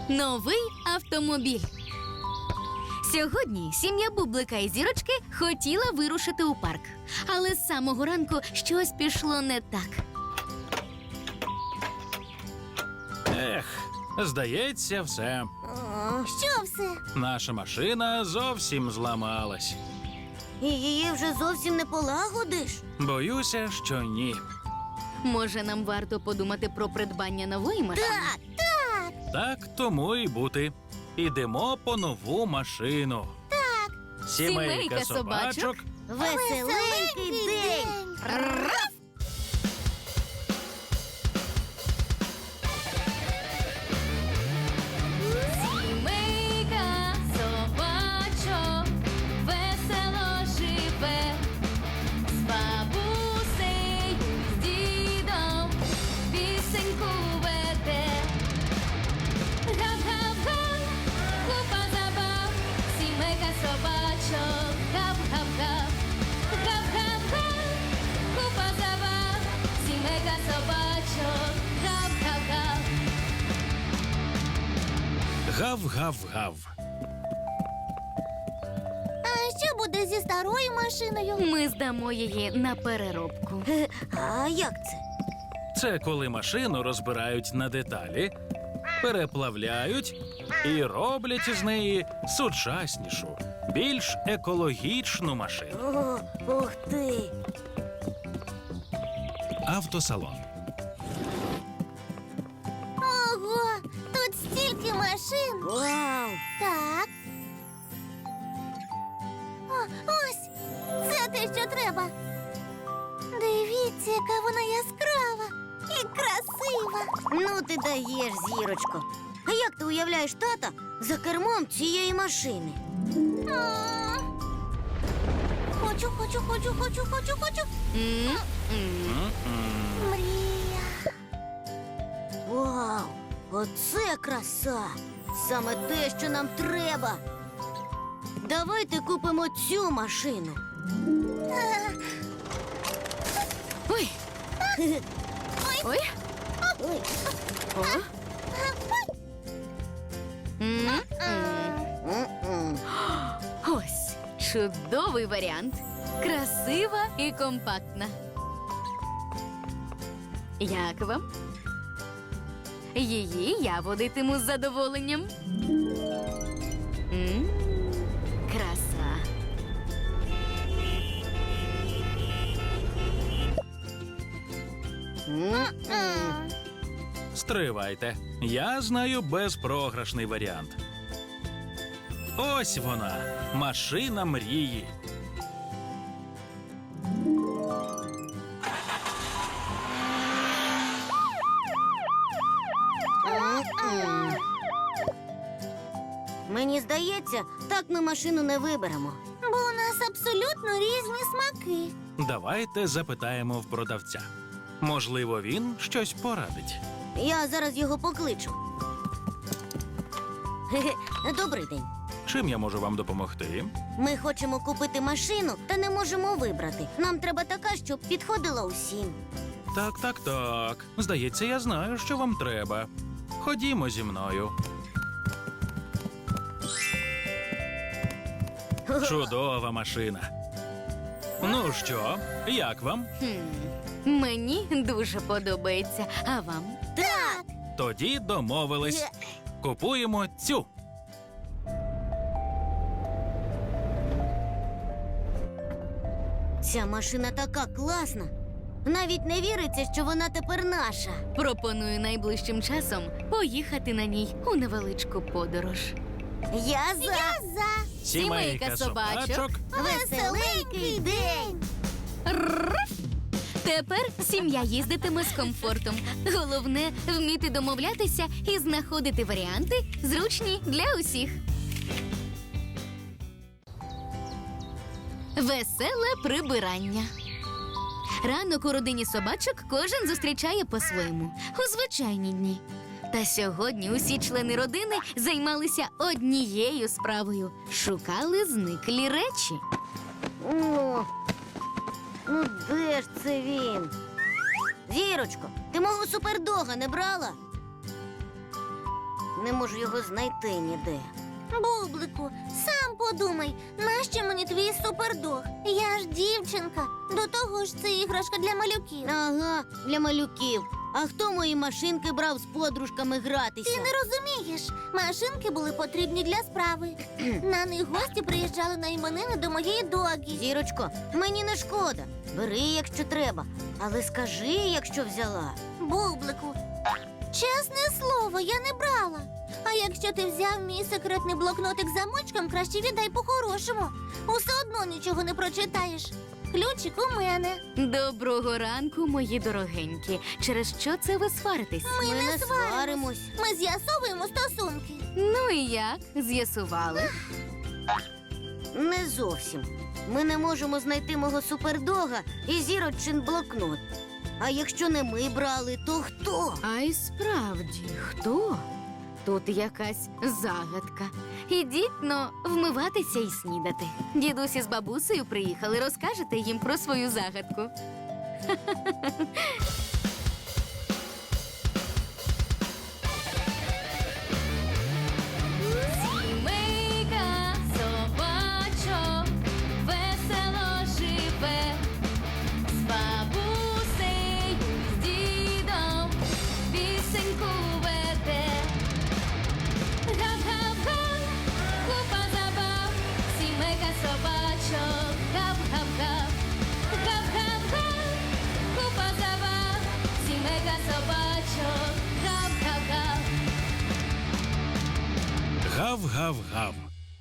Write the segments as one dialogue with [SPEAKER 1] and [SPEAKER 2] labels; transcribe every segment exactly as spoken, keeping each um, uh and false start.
[SPEAKER 1] Новий автомобіль. Сьогодні сім'я Бублика і Зірочки хотіла вирушити у парк. Але з самого ранку щось пішло не так.
[SPEAKER 2] Ех, здається, все.
[SPEAKER 3] Що все?
[SPEAKER 2] Наша машина зовсім зламалась.
[SPEAKER 3] І її вже зовсім не полагодиш?
[SPEAKER 2] Боюся, що ні.
[SPEAKER 1] Може, нам варто подумати про придбання нової машини?
[SPEAKER 3] Так, так.
[SPEAKER 2] Так тому і бути. Ідемо по нову машину. Так.
[SPEAKER 1] Сімейка собачок.
[SPEAKER 3] Веселенький день.
[SPEAKER 1] Сімейка собачок весело живе, з бабусею, з дідом пісеньку веде. Гав-гав-га, купа забав, сімейка собачок, гав-гав-гав. Гав-гав-га, купа забав, сімейка собачок, гав-гав-гав.
[SPEAKER 2] Гав-гав-гав.
[SPEAKER 3] А що буде зі старою машиною?
[SPEAKER 1] Ми здамо її на переробку.
[SPEAKER 3] А як це?
[SPEAKER 2] Це коли машину розбирають на деталі, переплавляють і роблять із неї сучаснішу, більш екологічну машину.
[SPEAKER 3] О, ух ти.
[SPEAKER 2] Автосалон.
[SPEAKER 3] Ого, тут стільки машин. Вау. Так. О, ось, це те, що треба. Дивіться, яка вона яскрава і красива. Ну ти даєш, Зірочко. А як ти уявляєш тата за кермом цієї машини? Хочу, хочу, хочу, хочу, хочу, хочу.
[SPEAKER 1] М-м.
[SPEAKER 2] М-м.
[SPEAKER 3] Мрія. Вау, оце краса! Саме те, що нам треба. Давайте купимо цю машину.
[SPEAKER 1] Ой, ой,
[SPEAKER 3] Ой.
[SPEAKER 1] о. М-м.
[SPEAKER 3] М-м.
[SPEAKER 1] Ось чудовий варіант. Красива і компактна. Як вам? Її я водитиму з задоволенням. М, Краса.
[SPEAKER 3] М-м.
[SPEAKER 2] Стривайте. Я знаю безпрограшний варіант. Ось вона, машина мрії.
[SPEAKER 3] М-м. Мені здається, так ми машину не виберемо. Бо у нас абсолютно різні смаки.
[SPEAKER 2] Давайте запитаємо в продавця. Можливо, він щось порадить.
[SPEAKER 3] Я зараз його покличу. Хе-хе. Добрий день.
[SPEAKER 2] Чим я можу вам допомогти?
[SPEAKER 3] Ми хочемо купити машину, та не можемо вибрати. Нам треба така, щоб підходила усім.
[SPEAKER 2] Так, так, так. Здається, я знаю, що вам треба. Ходімо зі мною. Чудова машина. Ну що, як вам?
[SPEAKER 1] Хм, Мені дуже подобається. А вам?
[SPEAKER 3] Так!
[SPEAKER 2] Тоді домовились. Купуємо цю.
[SPEAKER 3] Ця машина така класна. Навіть не віриться, що вона тепер наша.
[SPEAKER 1] Пропоную найближчим часом поїхати на ній у невеличку подорож.
[SPEAKER 3] Я за. Я за.
[SPEAKER 1] Сімейка собачок.
[SPEAKER 3] Веселенький день.
[SPEAKER 1] Тепер сім'я їздитиме з комфортом. Головне – вміти домовлятися і знаходити варіанти, зручні для усіх. Веселе прибирання. Ранок у родині собачок кожен зустрічає по-своєму, у звичайні дні. Та сьогодні усі члени родини займалися однією справою – шукали зниклі речі.
[SPEAKER 3] О, ну де ж це він? Зірочко, ти мого супердога не брала? Не можу його знайти ніде.
[SPEAKER 4] Бублику, сам подумай, нащо мені твій супердог? Я ж дівчинка. До того ж, це іграшка для малюків.
[SPEAKER 3] Ага, для малюків. А хто мої машинки брав з подружками гратися?
[SPEAKER 4] Ти не розумієш. Машинки були потрібні для справи. На них гості приїжджали на іменини до моєї догі.
[SPEAKER 3] Зірочко, мені не шкода. Бери, якщо треба. Але скажи, якщо взяла.
[SPEAKER 4] Бублику, чесне слово, я не брала. А якщо ти взяв мій секретний блокнотик з замочком, краще віддай по-хорошому. Усе одно нічого не прочитаєш. Ключик у мене.
[SPEAKER 1] Доброго ранку, мої дорогенькі. Через що це ви сваритесь?
[SPEAKER 4] Ми,
[SPEAKER 3] Ми
[SPEAKER 4] не
[SPEAKER 3] не
[SPEAKER 4] сваримось.
[SPEAKER 3] сваримось.
[SPEAKER 4] Ми з'ясовуємо стосунки.
[SPEAKER 1] Ну і як? З'ясували?
[SPEAKER 3] Не зовсім. Ми не можемо знайти мого супердога і зірочин блокнот. А якщо не ми брали, то хто?
[SPEAKER 1] А й справді, хто? Тут якась загадка. Ідіть, но, вмиватися і снідати. Дідусь із бабусею приїхали, розкажете їм про свою загадку. Сімейка собачок весело живе, з бабусею, з дідом пісеньку веде. Гав-гав-га, купа забав, сімейка собачок, гав-гав-гав. Гав-гав-га, купа забав, сімейка собачок, гав-гав-гав.
[SPEAKER 2] Гав-гав-гав.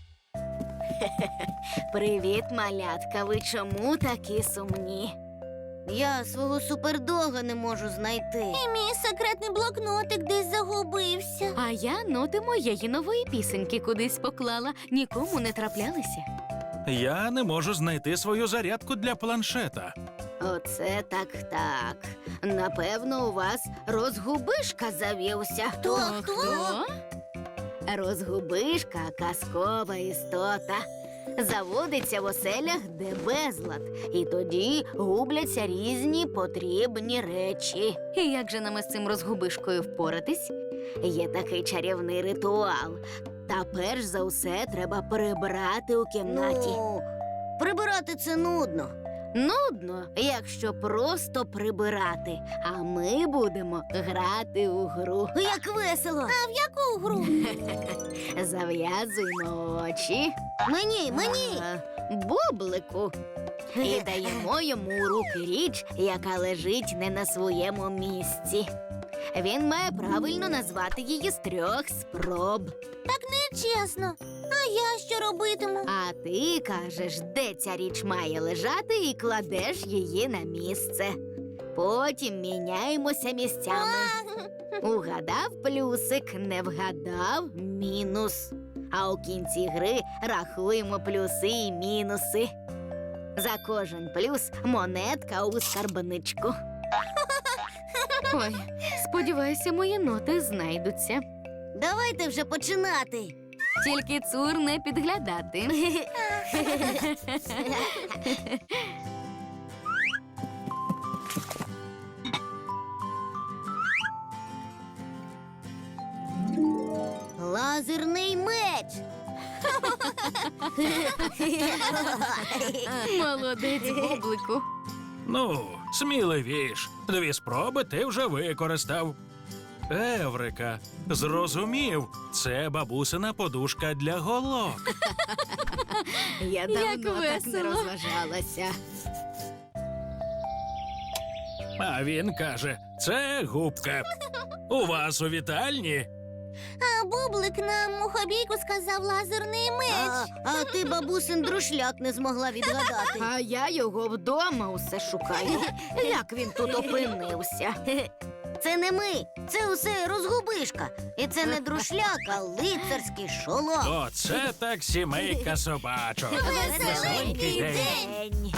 [SPEAKER 1] Привіт, малятка. Ви чому такі сумні?
[SPEAKER 3] Я свого супердога не можу знайти.
[SPEAKER 4] І мій секретний блокнотик десь загубився.
[SPEAKER 1] А я ноти моєї нової пісеньки кудись поклала, нікому не траплялися.
[SPEAKER 2] Я не можу знайти свою зарядку для планшета.
[SPEAKER 1] Оце так так. Напевно, у вас розгубишка завівся.
[SPEAKER 4] Хто, хто?
[SPEAKER 1] Розгубишка казкова істота. Заводиться в оселях, де безлад, і тоді губляться різні потрібні речі. І як же нам із цим розгубишкою впоратись? Є такий чарівний ритуал. Та перш за все треба прибрати у кімнаті.
[SPEAKER 3] Ну, прибирати це нудно.
[SPEAKER 1] Нудно, якщо просто прибирати, а ми будемо грати у гру.
[SPEAKER 3] Як весело.
[SPEAKER 4] А в яку гру?
[SPEAKER 1] Зав'язуємо очі.
[SPEAKER 3] Мені, мені.
[SPEAKER 1] А, Бублику. І даємо йому у руки річ, яка лежить не на своєму місці. Він має правильно назвати її з трьох спроб.
[SPEAKER 4] Так нечесно. А я що робитиму?
[SPEAKER 1] А ти кажеш, де ця річ має лежати, і кладеш її на місце. Потім міняємося місцями. Угадав плюсик, не вгадав мінус. А у кінці гри рахуємо плюси і мінуси. За кожен плюс монетка у скарбничку. Ой, сподіваюся, мої ноти знайдуться.
[SPEAKER 3] Давайте вже починати.
[SPEAKER 1] Тільки цур не підглядати.
[SPEAKER 3] Лазерний меч.
[SPEAKER 1] Молодець, Бублику.
[SPEAKER 2] Ну, сміливіш. Дві спроби ти вже використав. Еврика, зрозумів, це бабусина подушка для голок.
[SPEAKER 1] Я
[SPEAKER 4] Як
[SPEAKER 1] давно так не
[SPEAKER 4] весело.
[SPEAKER 1] розважалася.
[SPEAKER 2] А він каже, це губка. У вас у вітальні?
[SPEAKER 4] А Бублик нам у хобійку сказав лазерний меч.
[SPEAKER 3] А, а ти бабусин друшляк не змогла відгадати.
[SPEAKER 1] А я його вдома усе шукаю. Як він тут опинився?
[SPEAKER 3] Це не ми, це усе розгубишка. І це не друшляк, а лицарський шолом.
[SPEAKER 2] Оце так сімейка собачок.
[SPEAKER 4] Веселенький
[SPEAKER 3] день.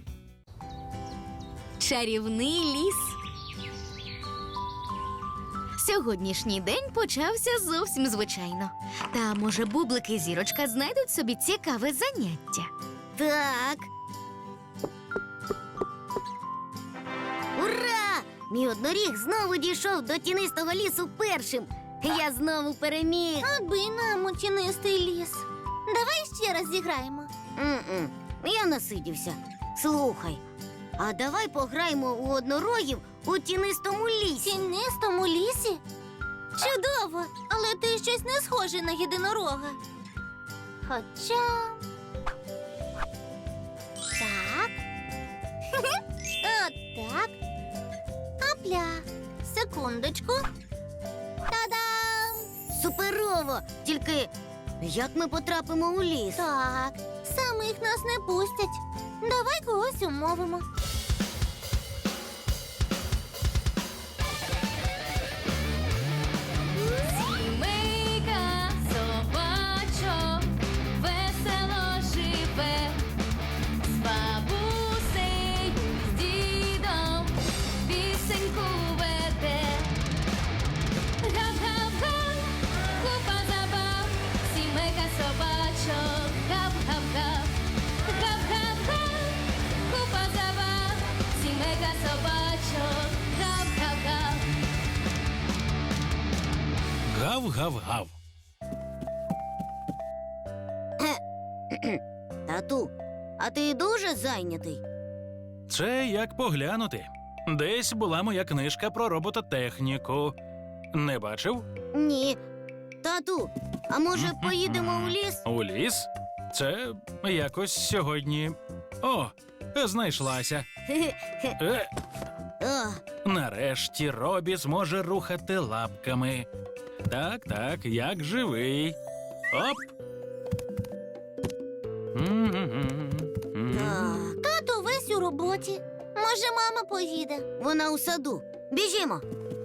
[SPEAKER 1] Чарівний ліс. Сьогоднішній день почався зовсім звичайно. Та, може, Бублик і Зірочка знайдуть собі цікаве заняття.
[SPEAKER 3] Так. Ура! Мій одноріг знову дійшов до тінистого лісу першим. Я знову переміг.
[SPEAKER 4] Аби нам у тінистий ліс. Давай ще раз зіграємо.
[SPEAKER 3] М-м, я насидівся. Слухай, а давай пограємо у однорогів у тінистому
[SPEAKER 4] В
[SPEAKER 3] лісі.
[SPEAKER 4] тінистому лісі? Чудово, але ти щось не схожий на єдинорога. Хоча. Так. От так. Апля. Секундочку. Та-дам!
[SPEAKER 3] Суперово! Тільки як ми потрапимо у ліс?
[SPEAKER 4] Так, самих нас не пустять. Давай когось умовимо.
[SPEAKER 1] Сімейка собачок весело живе, з бабусею, з дідом пісеньку веде. Гав-гав-га, купа забав, сімейка собачок, гав-гав-гав. Гав-гав-га, купа забав, сімейка собачок, гав-гав-гав.
[SPEAKER 2] Гав-гав-гав.
[SPEAKER 3] Тату, а ти дуже зайнятий?
[SPEAKER 2] Це як поглянути. Десь була моя книжка про робототехніку. Не бачив?
[SPEAKER 3] Ні. Тату, а може поїдемо у ліс?
[SPEAKER 2] У ліс? Це якось сьогодні. О, знайшлася. Е,
[SPEAKER 3] О,
[SPEAKER 2] нарешті Робі зможе рухати лапками. Так, так, як живий. Оп. М-м-м.
[SPEAKER 3] так.
[SPEAKER 4] Тато весь у роботі. Може, мама поїде.
[SPEAKER 3] Вона у саду. Біжімо.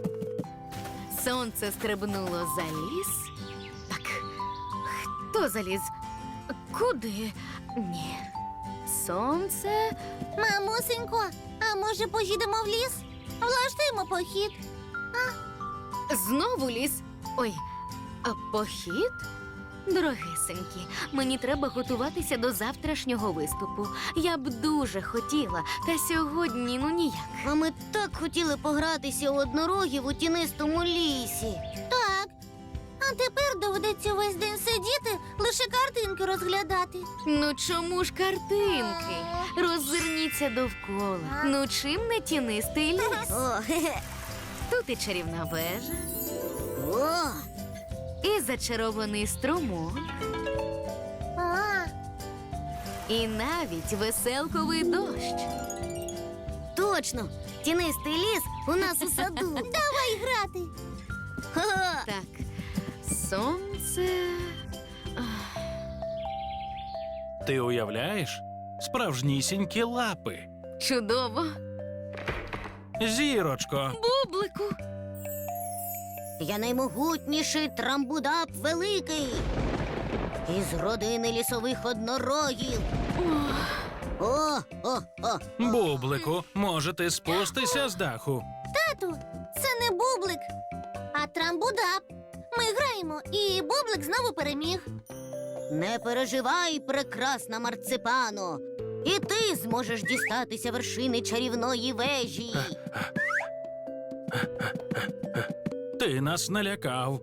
[SPEAKER 1] Сонце стрибнуло за ліс. Так, хто заліз? Куди? Ні. Сонце.
[SPEAKER 4] Мамусенько, а може поїдемо в ліс? Влаштуємо похід.
[SPEAKER 1] Знову ліс. Ой, а похід? Дорогесенькі, мені треба готуватися до завтрашнього виступу. Я б дуже хотіла, та сьогодні ну ніяк.
[SPEAKER 3] А ми так хотіли погратися у однорогів у тінистому лісі.
[SPEAKER 4] Так. А тепер доведеться весь день сидіти, лише картинки розглядати.
[SPEAKER 1] Ну чому ж картинки? Роззирніться довкола. Ну чим не тінистий ліс?
[SPEAKER 3] О, хе-хе.
[SPEAKER 1] Тут і чарівна вежа,
[SPEAKER 3] О,
[SPEAKER 1] і зачарований струмок,
[SPEAKER 4] А,
[SPEAKER 1] і навіть веселковий дощ.
[SPEAKER 3] точно. Тінистий ліс у нас у саду.
[SPEAKER 4] давай грати.
[SPEAKER 3] Ха-ха.
[SPEAKER 1] Так, сонце.
[SPEAKER 2] Ти уявляєш? Справжнісінькі лапи.
[SPEAKER 1] Чудово.
[SPEAKER 2] Зірочко.
[SPEAKER 1] Бублику.
[SPEAKER 3] Я наймогутніший трамбудап великий. Із родини лісових однорогів. О, о, о.
[SPEAKER 2] Бублику, може ти спустися з даху?
[SPEAKER 4] Тату, це не бублик, а трамбудап. Ми граємо, і бублик знову переміг.
[SPEAKER 3] Не переживай, прекрасна марципано. І ти зможеш дістатися вершини чарівної вежі.
[SPEAKER 2] Ти нас налякав.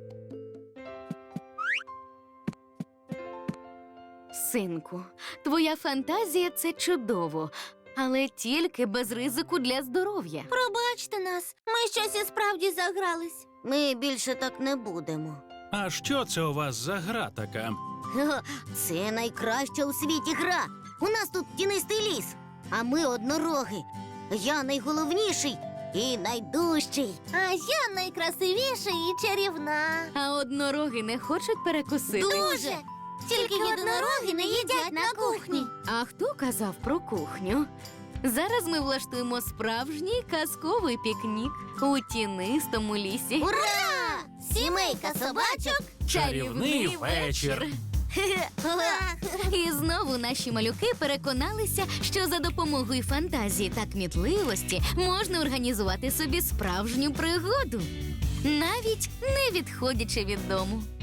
[SPEAKER 1] Синку, твоя фантазія це чудово, але тільки без ризику для здоров'я.
[SPEAKER 4] Пробачте нас, ми щось і справді загрались.
[SPEAKER 3] Ми більше так не будемо.
[SPEAKER 2] А що це у вас за гра така?
[SPEAKER 3] Ха-ха, це найкраща у світі гра. У нас тут тінистий ліс, а ми однороги. Я найголовніший і найдужчий.
[SPEAKER 4] А я найкрасивіша і чарівна.
[SPEAKER 1] А однороги не хочуть перекусити.
[SPEAKER 4] Дуже! Тільки єдинороги не їдять на кухні.
[SPEAKER 1] А хто казав про кухню? Зараз ми влаштуємо справжній казковий пікнік у тінистому лісі.
[SPEAKER 3] Ура! Сімейка собачок.
[SPEAKER 2] Чарівний вечір.
[SPEAKER 3] Хе-хе.
[SPEAKER 1] І знову наші малюки переконалися, що за допомогою фантазії та кмітливості можна організувати собі справжню пригоду. навіть не відходячи від дому.